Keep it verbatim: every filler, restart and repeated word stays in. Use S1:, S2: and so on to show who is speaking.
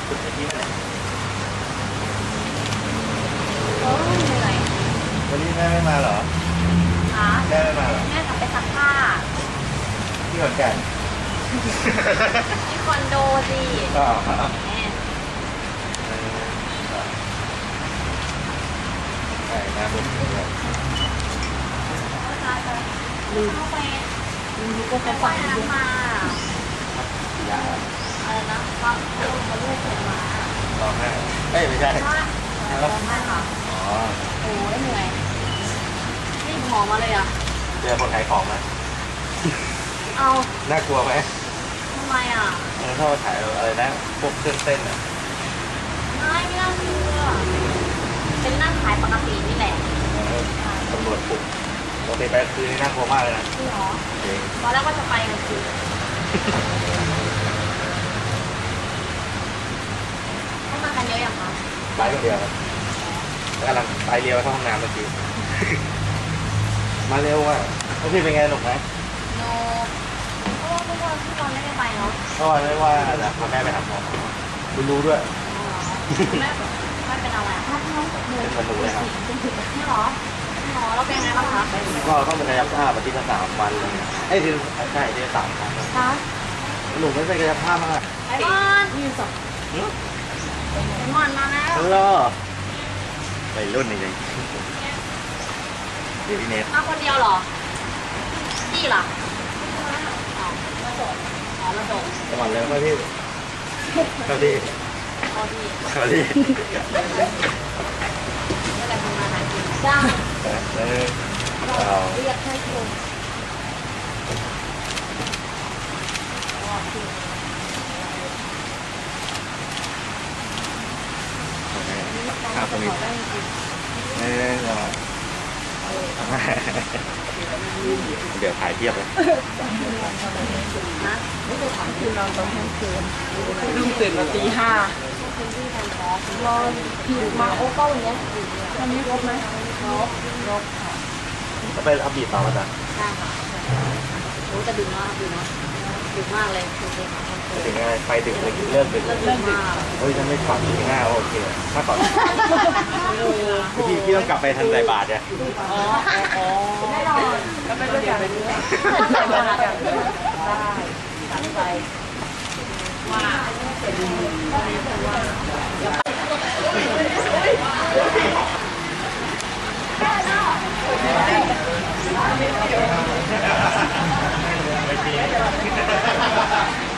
S1: จุดในที่ไหน
S2: โอ้ยเหนื่อย
S1: วันนี้แม่ไม่มาเหรอ
S2: คะ
S1: แม่ไม่มาเหรอ
S2: แม่กลับไปซักผ้า
S1: ที่ขอนแก่น
S2: ที่คอนโดสิ
S1: อ๋อ
S2: แม่
S1: ใช่นะผม
S2: ลืมเข้าไปลืมก็ไปฝังน้ำมาอะไรนะว่าเขาเขาลูกผมมา
S1: ร้องไห้เอ้ยไม่ใช่
S2: ร้องไห้ค่ะ
S1: อ๋อ
S2: โอ้ยเหนื่อยนี่หอมมาเลยอ่ะ
S1: เจอคนขายของไหม
S2: เอา
S1: น่ากลัวไหม
S2: ทำไมอ่ะ
S1: เออถ้ามาขายอะไรนะพวกเครื่องเต้นอ่ะ
S2: ไม่ไม่น่าเชื่อเป็นนั่งขายปกตินี่แหละ
S1: ตำรวจปลุกปกติไปคืนนี่น่ากลัวมากเลยนะ
S2: จริงเหรอตอนแรกว่าจะไปกันคือเข้ามากันเยอะอย่างคะ
S1: ไปคนเดียวครับกำลังไปเรียวเข้าห้องน้ำเมื่อกี้มาเร็วอ่ะแล้วพี่เป็นไงหนุกไหม
S2: โนเพราะว่าทุกวันทุกวันไม่ได้ไปเนาะ
S1: เพราะว่าไม่ว่าจะพาแม่ไปหาหมอคุณรู้ด้วย
S2: แม่แม่เป็นอะไรอ่ะ
S1: เป็นคนรู้เลยครับ
S2: นี่หรอหรอแล้วเป็นไงบ้างคะ
S1: ก็ต้องเป็นกายภาพอาทิตย์ละสามวันเลยไอ้ที่ใช่ที่ละสามครั้ง
S2: คะ
S1: หนูไม่เป็นกายภาพมาก
S2: ไอ้มอนยืนสองไอ้มอนมาแล้ว
S1: ฮัลโหลไปรุ่นนี่เลยเดี๋ยวพี่เนท
S2: มาคนเดียวหรอพี่ล่ะอ๋อมาส่งอ๋อมาส่ง
S1: สวัสดีเลยครับพี่สวัสดี
S2: สวัสดี
S1: สวัสดี
S2: ไม่ได้ทำงานหากินจ้า
S1: เรา
S2: เรียกให้คุณ
S1: ครับตรงนี้เออเดี๋ยวถ่ายเทียบเลย
S2: ไม่ได้ถามคือนอนตอนกลางคืน
S3: ลุงตื่นมาตีห้า
S2: นอนผิวมาโอ้เก้าอย่างเงี้ย
S3: วันนี้รบไหม
S2: รบรบค่ะ
S1: จะไปอัพบีต่อมาจ้ะ
S2: ใช่ค่ะรู้จะดึงมากดึงมากดึงมากเลยคือเป็น
S1: ถึงไงไปดึกเลยเลิกดึก
S2: เลิกดึก
S1: เฮ้ยฉันไม่ฝันถึงห้าโอเคถ้าก่อนพี่พี่ต้องกลับไปทันใจบาทเนี่ย
S2: อ๋ออ๋อแน่นอน
S3: แล้วไปด้วยกันไปด้วยกันได้ตั้งใจ
S2: ว่าเป็นว่า
S1: ไม่จริง